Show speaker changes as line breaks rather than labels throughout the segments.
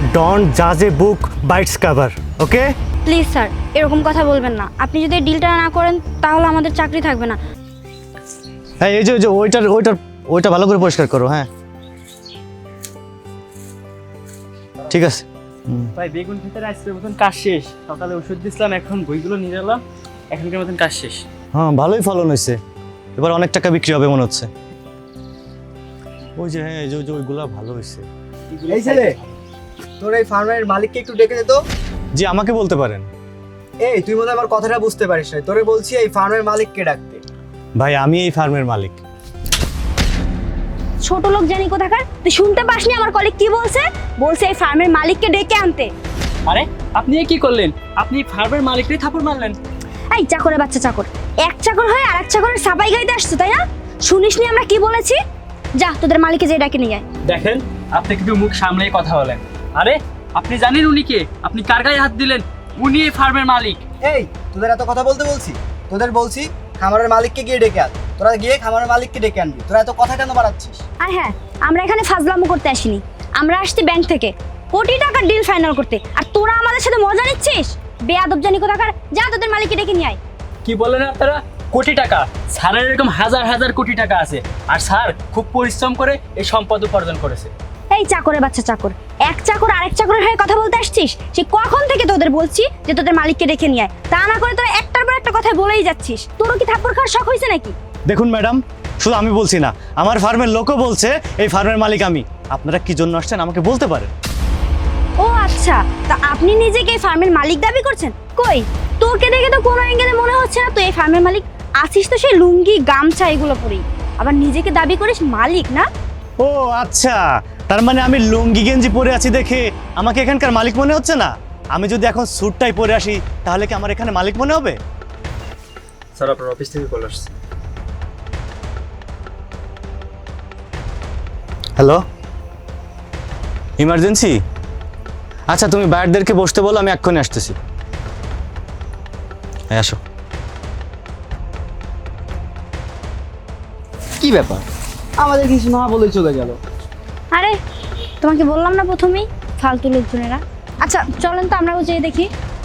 Don't জাজ a book by its cover, okay?
Please sir, এরকম কথা বলবেন না। আপনি যদি এই ডিলটা না করেন তাহলে আমাদের চাকরি থাকবে না।
হ্যাঁ, এই যে ওইটা ভালো করে পরিষ্কার করো। হ্যাঁ, ঠিক আছে।
ভাই বেগুন ক্ষেতের আজকের মতন কাজ শেষ। সকালে ওষুধ দিছিলাম, এখন বইগুলো নিয়ে এলাম, এখনকার মতন কাজ শেষ।
হ্যাঁ, ভালোই ফলন হয়েছে, এবার অনেক টাকা বিক্রি হবে মনে হচ্ছে। ওই যে হ্যাঁ, এই যে ওইগুলা ভালো হয়েছে।
এই ছেলে, তোর এই ফার্মের মালিককে একটু ডেকে দে তো।
জি, আমাকে বলতে পারেন।
এই তুই মনে হয় আমার কথাটা বুঝতে পারিস না, তোরে বলছি এই ফার্মের মালিককে ডাকতে।
ভাই, আমি এই ফার্মের মালিক।
ছোট লোক জানি কোথাকার, তুই শুনতে পাসনি আমার কলিগ কি বলছে? বলছে এই ফার্মের মালিককে ডেকে আনতে।
আরে আপনি কি করলেন? আপনি ফার্মের মালিককেই থাপড় মারলেন।
এই চাকরের বাচ্চা চাকর, এক চাকর হয়ে আরেক চাকরের সাপাই গাইতে আসছো, তাই না? শুনিসনি আমরা কি বলেছি? যা তোদের মালিককে যে ডাকে নিয়ে আয়।
দেখেন, আপনি কিন্তু মুখ সামলেই কথা বলেন। আরে আপনি জানেন উনি কে? আপনি কার গায়ে হাত দিলেন? উনি এই ফার্মের মালিক।
এই তোদের এত কথা বলতে বলছি? তোদের বলছি খামারের মালিককে গিয়ে ডেকে আন। তোরা গিয়ে খামারের মালিককে ডেকে আনবি। তোরা এত কথা কেন বাড়াচ্ছিস?
আর হ্যাঁ, আমরা এখানে ফাজলামো করতে আসিনি, আমরা আসছি ব্যাংক থেকে কোটি টাকার ডিল ফাইনাল করতে। আর তোরা আমাদের সাথে মজা নিচ্ছিস? বেয়াদব জানি কোথাকার, যা তোদের মালিককে ডেকে নিয়ে আয়।
কি বলেন আপনারা? কোটি টাকা? স্যারের এরকম হাজার হাজার কোটি টাকা আছে, আর স্যার খুব পরিশ্রম করে এই সম্পদ উপার্জন করেছে।
এই চাকরের বাচ্চা চাকর, এক চাকর আরেক চাকরের হয়ে কথা বলতে আসছিস? সে কখন থেকে তোদের বলছি যে তোদের মালিককে ডেকে নিয়ে আয়, তা না করে তোরা একটার পর একটা কথা বলেই যাচ্ছিস। তোরও কি থাপ্পড় খাওয়ার শখ হয়েছে নাকি?
দেখুন ম্যাডাম, শুধু আমি বলছি না, আমার ফার্মের লোকও বলছে এই ফার্মের মালিক আমি। আপনারা কি জন্য আসছেন আমাকে বলতে পারেন।
ও আচ্ছা, তা আপনি নিজেকে এই ফার্মের মালিক দাবি করছেন? কই, তোকে দেখে তো কোনো অ্যাঙ্গেলে মনে হচ্ছে না তুই এই ফার্মের মালিক। আসিস তো সেই লুঙ্গি গামছা এগুলো পরেই, আবার নিজেকে দাবি করিস মালিক না?
ও আচ্ছা, তার মানে আমি লুঙ্গি গেঞ্জি পরে আছি দেখে আমাকে এখানকার মালিক মনে হচ্ছে না? আমি যদি এখন স্যুটটাই পরে আসি তাহলে কি আমার এখানে মালিক মনে হবে?
স্যার, আপনার অফিস থেকে কল আসছে।
Hello, emergency? আচ্ছা, তুমি বাইরদেরকে বসতে বলো, আমি এক্ষুনি আসতেছি। হ্যাঁ, আসো।
কি ব্যাপার, আমাদের কিছু না বলে চলে গেল?
আরে তোমাকে বললাম না প্রথমেই, ফালতু লোকজনেরা। আচ্ছা চলেন তো আমরাও যেয়ে দেখি।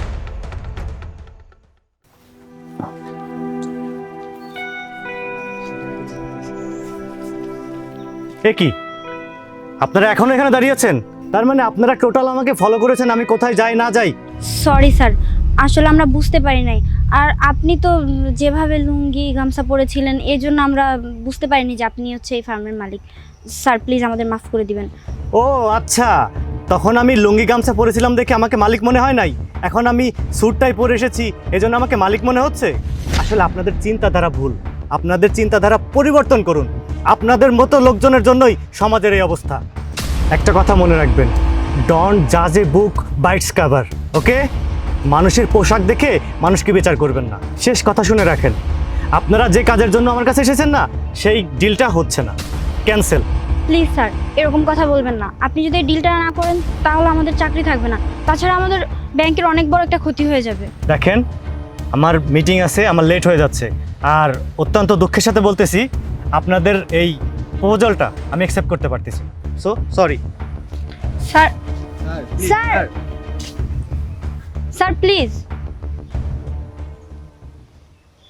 এ কি, আপনারা এখনো এখানে দাঁড়িয়ে আছেন? তার মানে আপনারা টোটাল আমাকে ফলো করেছেন আমি কোথায় যাই না যাই।
সরি স্যার, আসলে আমরা বুঝতে পারি নাই। আর আপনি তো যেভাবে লুঙ্গি গামছা পরেছিলেন এই জন্য আমরা বুঝতে পারিনি যে আপনি হচ্ছে এই ফার্মের মালিক। স্যার প্লিজ আমাদের মাফ করে দিবেন।
ও আচ্ছা, তখন আমি লুঙ্গি গামছা পরেছিলাম দেখে আমাকে মালিক মনে হয় নাই, এখন আমি স্যুটটাই পরে এসেছি এজন্য আমাকে মালিক মনে হচ্ছে? আসলে আপনাদের চিন্তাধারা ভুল, আপনাদের চিন্তাধারা পরিবর্তন করুন। আপনাদের মতো লোকজনের জন্যই সমাজের এই অবস্থা। একটা কথা মনে রাখবেন, ডোন্ট জাজ a book by its cover, okay? মানুষের পোশাক দেখে মানুষকে বিচার করবেন না। শেষ কথা শুনে রাখেন, আপনারা যে কাজের জন্য আমার কাছে এসেছেন না, সেই ডিলটা হচ্ছে না, ক্যান্সেল।
প্লিজ স্যার, এরকম কথা বলবেন না। আপনি যদি এই ডিলটা না করেন তাহলে আমাদের চাকরি থাকবে না, তাছাড়া আমাদের ব্যাংকের অনেক বড় একটা ক্ষতি হয়ে যাবে।
দেখেন, আমার মিটিং আছে, আমার লেট হয়ে যাচ্ছে, আর অত্যন্ত দুঃখের সাথে বলতেছি আপনাদের এই প্রপোজালটা আমি অ্যাকসেপ্ট করতে পারতেছি। So sorry.
Sir, sir, sir please.